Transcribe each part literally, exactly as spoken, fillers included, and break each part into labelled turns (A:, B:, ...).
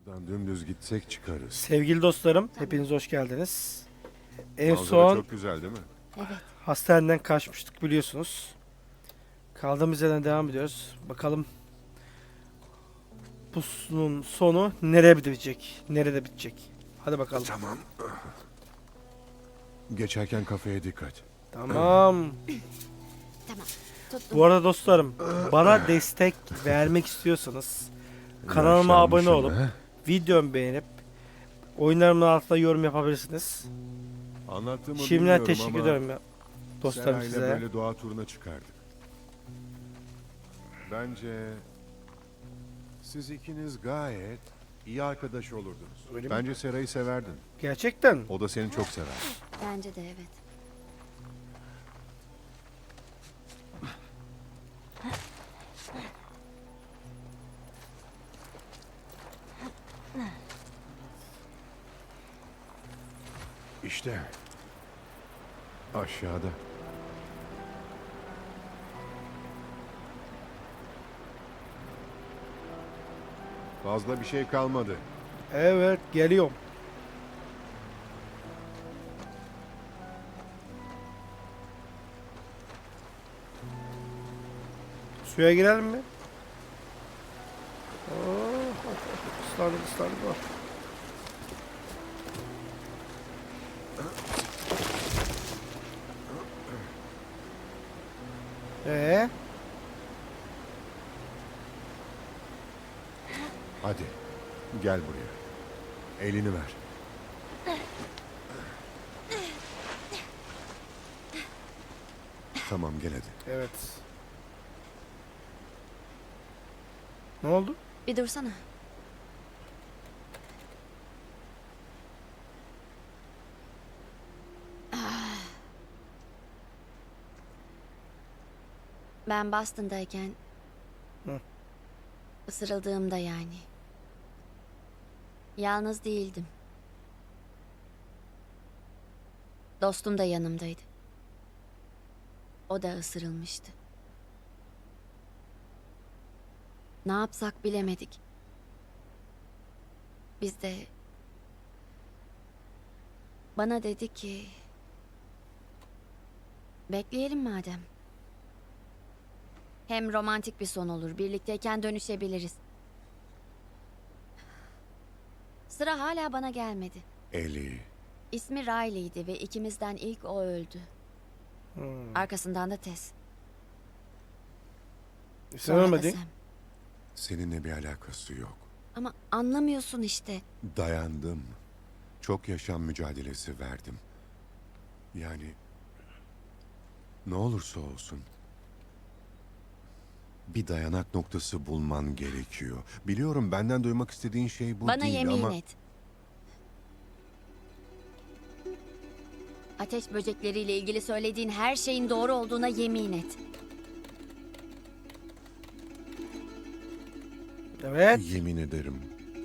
A: Buradan dümdüz gitsek çıkarız.
B: Sevgili dostlarım, hepiniz hoş geldiniz. En
A: Manzara
B: son
A: çok güzel değil mi?
C: Evet.
B: hastaneden kaçmıştık biliyorsunuz. Kaldığımız yerden devam ediyoruz. Bakalım bunun sonu nereye bitecek? Nerede bitecek? Hadi bakalım.
A: Tamam. Geçerken kafeye dikkat.
B: Tamam.
C: Tamam. Tuttum.
B: Bu arada dostlarım, bana destek vermek istiyorsanız kanalıma abone
A: Yaşlanmışım
B: olup
A: be.
B: videomu beğenip oyunlarımın altına yorum yapabilirsiniz.
A: Anlattığımı
B: Şimdiden
A: bilmiyorum
B: teşekkür
A: ama
B: ederim ya dostlarım
A: Seray'la
B: size.
A: böyle doğa turuna çıkardık. Bence siz ikiniz gayet iyi arkadaş olurdunuz.
B: Öyle mi?
A: Bence Seray'ı severdin.
B: Gerçekten.
A: O da seni çok sever.
C: Bence de evet.
A: İşte aşağıda. Fazla bir şey kalmadı.
B: Evet, geliyorum. Suya girelim mi? Oh, ıslandık ıslandık. Oh. Ee,
A: Hadi gel buraya. Elini ver. Tamam gel hadi.
B: evet. Ne oldu?
C: Bir dursana. Ah. Ben Boston'dayken
B: Hı.
C: ısırıldığımda yani. Yalnız değildim. Dostum da yanımdaydı. O da ısırılmıştı. Ne yapsak bilemedik. Biz de bana dedi ki bekleyelim madem. Hem romantik bir son olur. Birlikteyken dönüşebiliriz. Sıra hala bana gelmedi.
A: Eli.
C: İsmi Riley'di ve ikimizden ilk o öldü.
B: Hmm.
C: Arkasından da Tess.
B: Sen
C: Sonra da
B: ölmedin.
C: Sam.
A: Seninle bir alakası yok.
C: Ama anlamıyorsun işte.
A: Dayandım. Çok yaşam mücadelesi verdim. Yani ne olursa olsun bir dayanak noktası bulman gerekiyor. Biliyorum benden duymak istediğin şey bu
C: Bana
A: değil
C: yemin
A: ama
C: et. Ateş böcekleriyle ilgili söylediğin her şeyin doğru olduğuna yemin et.
B: Evet.
A: yemin ederim.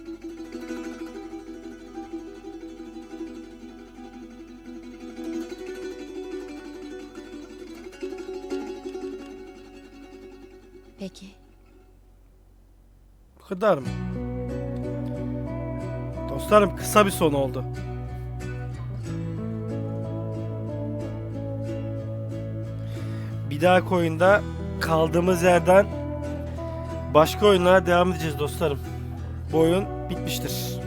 C: Peki.
B: Bu kadar mı? Dostlarım kısa bir son oldu. Bir dahaki oyunda kaldığımız yerden başka oyunlara devam edeceğiz dostlarım. Bu oyun bitmiştir.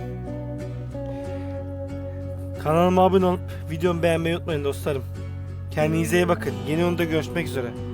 B: Kanalıma abone olup videomu beğenmeyi unutmayın dostlarım. Kendinize iyi bakın. Yeni oyunda görüşmek üzere.